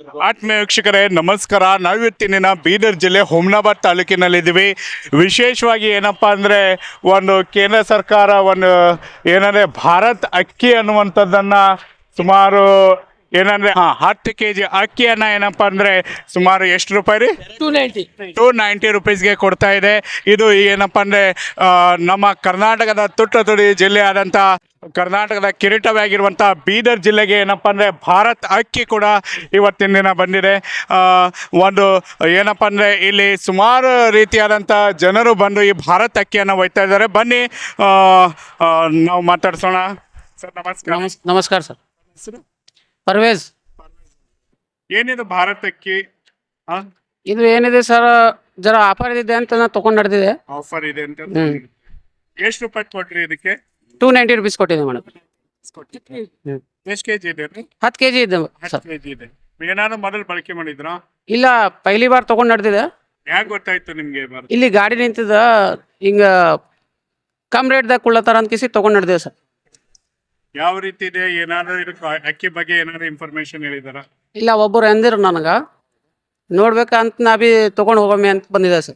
ಆತ್ಮೀಯ ವೀಕ್ಷಕರೇ ನಮಸ್ಕಾರ. ನಾವಿವತ್ತಿನ ಬೀದರ್ ಜಿಲ್ಲೆ ಹುಮ್ನಾಬಾದ್ ತಾಲೂಕಿನಲ್ಲಿದ್ದೀವಿ. ವಿಶೇಷವಾಗಿ ಏನಪ್ಪ ಅಂದರೆ ಒಂದು ಕೇಂದ್ರ ಸರ್ಕಾರ ಒಂದು ಏನಂದರೆ ಭಾರತ್ ಅಕ್ಕಿ ಅನ್ನುವಂಥದ್ದನ್ನು ಸುಮಾರು ಏನಂದರೆ 10 kg ಅಕ್ಕಿಯನ್ನು ಏನಪ್ಪ ಅಂದರೆ ಸುಮಾರು ಎಷ್ಟು ರೂಪಾಯಿ ರೀ? 290 ರುಪೀಸ್ಗೆ ಕೊಡ್ತಾ ಇದೆ. ಇದು ಏನಪ್ಪ ಅಂದರೆ ನಮ್ಮ ಕರ್ನಾಟಕದ ತುಡಿ ಜಿಲ್ಲೆ ಆದಂಥ ಕರ್ನಾಟಕದ ಕಿರೀಟವೇ ಆಗಿರುವಂಥ ಬೀದರ್ ಜಿಲ್ಲೆಗೆ ಏನಪ್ಪ ಅಂದರೆ ಭಾರತ್ ಅಕ್ಕಿ ಕೂಡ ಇವತ್ತಿನ ದಿನ ಬಂದಿದೆ. ಒಂದು ಏನಪ್ಪ ಅಂದರೆ ಇಲ್ಲಿ ಸುಮಾರು ರೀತಿಯಾದಂಥ ಜನರು ಬಂದು ಈ ಭಾರತ್ ಅಕ್ಕಿಯನ್ನು ಒಯ್ತಾ ಇದ್ದಾರೆ. ಬನ್ನಿ ನಾವು ಮಾತಾಡ್ಸೋಣ. ಸರ್ ನಮಸ್ಕಾರ. ನಮಸ್ಕಾರ ಸರ್. ಹೆಸರು ಪರ್ವೇಜ್. ಏನಿದು ಭಾರತ್ ಅಕ್ಕಿ? ಇದು ಏನಿದೆ ಸರ್, ಜರ ಆಫರ್ ಇದೆ ಅಂತ ನಾನು ತಗೊಂಡು ನಡೆದಿದೆ. ಆಫರ್ ಇದೆ ಅಂತ ಎಷ್ಟು ರೂಪಾಯಿ ಕೊಟ್ರಿ ಇದಕ್ಕೆ? 290 ರುಪೀಸ್ ಕೊಟ್ಟಿದೆ ಮೇಡಮ್. ಎಷ್ಟು ಕೆಜಿ ಇದೆ? 10 kg ಇದೆ ಸರ್. 10 kg ಇದೆ. ಏನಾದ್ರು ಮೊದಲು ಬಳಕೆ ಮಾಡಿದ್ರಾ? ಇಲ್ಲ, ಪೈಲಿ ಬಾರ್ ತಗೊಂಡು ನಡೆದಿದೆ. ಯಾಕೆ ಗೊತ್ತಾಯ್ತು ನಿಮ್ಗೆ? ಇಲ್ಲಿ ಗಾಡಿ ನಿಂತಿದ ಹಿಂಗ ಕಮ್ ರೇಟ್ದಾಗ ಕುಳ್ಳತ್ತಾರ ಅಂತ ಕಿಸಿ ತಗೊಂಡು ನಡೆದಿದೆ ಸರ್. ಯಾವ ರೀತಿ ಇದೆ? ಏನಾದ್ರು ಇದಕ್ಕೆ ಅಕ್ಕಿ ಬಗ್ಗೆ ಏನಾದ್ರು ಇನ್ಫಾರ್ಮೇಶನ್ ಹೇಳಿದಾರ? ಇಲ್ಲ, ಒಬ್ಬರು ಅಂದಿರು ನನಗೆ ನೋಡ್ಬೇಕಂತ ನಾ ಬಿ ತಗೊಂಡು ಹೋಗಮ್ಮೆ ಅಂತ ಬಂದಿದೆ ಸರ್.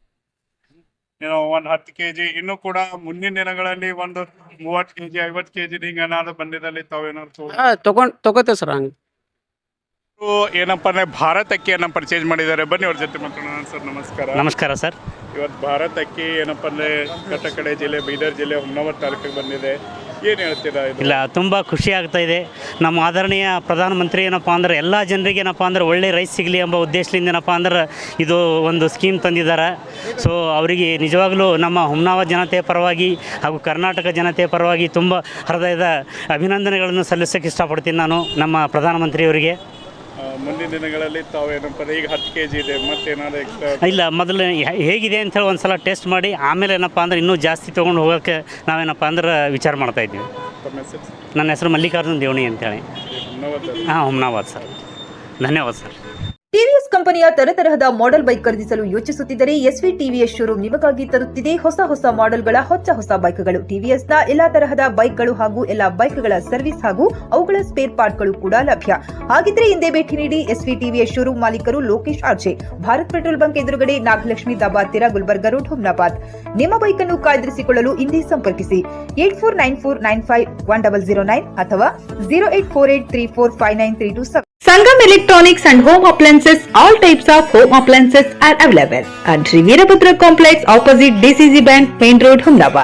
ಒಂದು 10 kg ಇನ್ನು ಕೂಡ ಮುಂದಿನ ದಿನಗಳಲ್ಲಿ ಒಂದು 30 kg 50 kg ಹಿಂಗೆ ಏನಾದ್ರು ಬಂದಿದ್ದಲ್ಲಿ ತಾವೇನಾದ್ರು ತಗೋತೇವೆ ಸರ್. ಹಂಗೆ ಏನಪ್ಪ ಅಂದ್ರೆ ಭಾರತ್ ಅಕ್ಕಿಯನ್ನು ಪರ್ಚೇಸ್ ಮಾಡಿದ್ದಾರೆ. ಬನ್ನಿ ಅವ್ರ ಜೊತೆ ಮಾತಾಡೋಣ. ಸರ್ ನಮಸ್ಕಾರ. ನಮಸ್ಕಾರ ಸರ್. ಇವತ್ತು ಭಾರತ್ ಅಕ್ಕಿ ಏನಪ್ಪ ಅಂದ್ರೆ ಕಟ್ಟಕಡೆ ಜಿಲ್ಲೆ ಬೀದರ್ ಜಿಲ್ಲೆ ಹುಮ್ನಾಬಾದ್ ತಾಲೂಕಿಗೆ ಬಂದಿದೆ. ಏನು ಹೇಳ್ತೀರಾ? ಇಲ್ಲ, ತುಂಬ ಖುಷಿ ಆಗ್ತಾ ಇದೆ. ನಮ್ಮ ಆದರಣೀಯ ಪ್ರಧಾನಮಂತ್ರಿ ಏನಪ್ಪ ಅಂದ್ರೆ ಎಲ್ಲ ಜನರಿಗೆ ಏನಪ್ಪ ಅಂದ್ರೆ ಒಳ್ಳೆ ರೈಸ್ ಸಿಗಲಿ ಎಂಬ ಉದ್ದೇಶದಿಂದ ಏನಪ್ಪ ಅಂದ್ರೆ ಇದು ಒಂದು ಸ್ಕೀಮ್ ತಂದಿದ್ದಾರೆ. ಸೊ ಅವರಿಗೆ ನಿಜವಾಗಲೂ ನಮ್ಮ ಹುಮ್ನಾಬಾದ್ ಜನತೆಯ ಪರವಾಗಿ ಹಾಗೂ ಕರ್ನಾಟಕ ಜನತೆಯ ಪರವಾಗಿ ತುಂಬ ಹೃದಯದ ಅಭಿನಂದನೆಗಳನ್ನು ಸಲ್ಲಿಸೋಕ್ಕೆ ಇಷ್ಟಪಡ್ತೀನಿ ನಾನು ನಮ್ಮ ಪ್ರಧಾನಮಂತ್ರಿಯವರಿಗೆ. ಮುಂದಿನ ದಿನಗಳಲ್ಲಿ ತಾವು ಏನಪ್ಪ ಈಗ 10 kg ಇದೆ, ಮತ್ತೇನಾದ್ರು ಎಕ್ಸ್ಟ್ರಾ? ಇಲ್ಲ, ಮೊದಲು ಹೇಗಿದೆ ಅಂಥೇಳಿ ಒಂದು ಸಲ ಟೆಸ್ಟ್ ಮಾಡಿ ಆಮೇಲೆ ಏನಪ್ಪ ಅಂದ್ರೆ ಇನ್ನೂ ಜಾಸ್ತಿ ತೊಗೊಂಡು ಹೋಗೋಕ್ಕೆ ನಾವೇನಪ್ಪ ಅಂದ್ರೆ ವಿಚಾರ ಮಾಡ್ತಾಯಿದ್ವಿ. ನನ್ನ ಹೆಸರು ಮಲ್ಲಿಕಾರ್ಜುನ್ ದೇವಣಿ ಅಂತೇಳಿ. ಹುಮ್ನಾಬಾದ್ ಸರ್. ಧನ್ಯವಾದ ಸರ್. ಟಿವಿಎಸ್ ಕಂಪನಿಯ ತರತರಹದ ಮಾಡೆಲ್ ಬೈಕ್ ಖರೀದಿಸಲು ಯೋಚಿಸುತ್ತಿದ್ದರೆ ಎಸ್ವಿ ಟಿವಿಎಸ್ ಶೋರೂಮ್ ನಿಮಗಾಗಿ ತರುತ್ತಿದೆ ಹೊಸ ಮಾಡೆಲ್ಗಳ ಹೊಸ ಬೈಕ್ಗಳು. ಟಿವಿಎಸ್ನ ಎಲ್ಲಾ ತರಹದ ಬೈಕ್ಗಳು ಹಾಗೂ ಎಲ್ಲಾ ಬೈಕ್ಗಳ ಸರ್ವಿಸ್ ಹಾಗೂ ಅವುಗಳ ಸ್ಪೇರ್ ಪಾರ್ಟ್ಗಳು ಕೂಡ ಲಭ್ಯ. ಹಾಗಿದ್ರೆ ಹಿಂದೆ ಭೇಟಿ ನೀಡಿ. ಎಸ್ವಿ ಟಿವಿಎಸ್ ಶೋರೂಮ್ ಮಾಲೀಕರು Lokesh RJ, Bharat petrol bunk ಎದುರುಗಡೆ, ನಾಗಲಕ್ಷ್ಮಿ ದಾಬಾ ಹತ್ತಿರ, ಗುಲ್ಬರ್ಗ ರೋಡ್, ಹುಮ್ನಾಬಾದ್. ನಿಮ್ಮ ಬೈಕ್ ಅನ್ನು ಕಾಯ್ದಿರಿಸಿಕೊಳ್ಳಲು ಹಿಂದೆ ಸಂಪರ್ಕಿಸಿ 8494951009 ಅಥವಾ 0848345932. Sangam Electronics and Home Appliances. All types of home appliances are available at Veerabhadra Complex opposite DCC Bank, Main Road, Humnabad.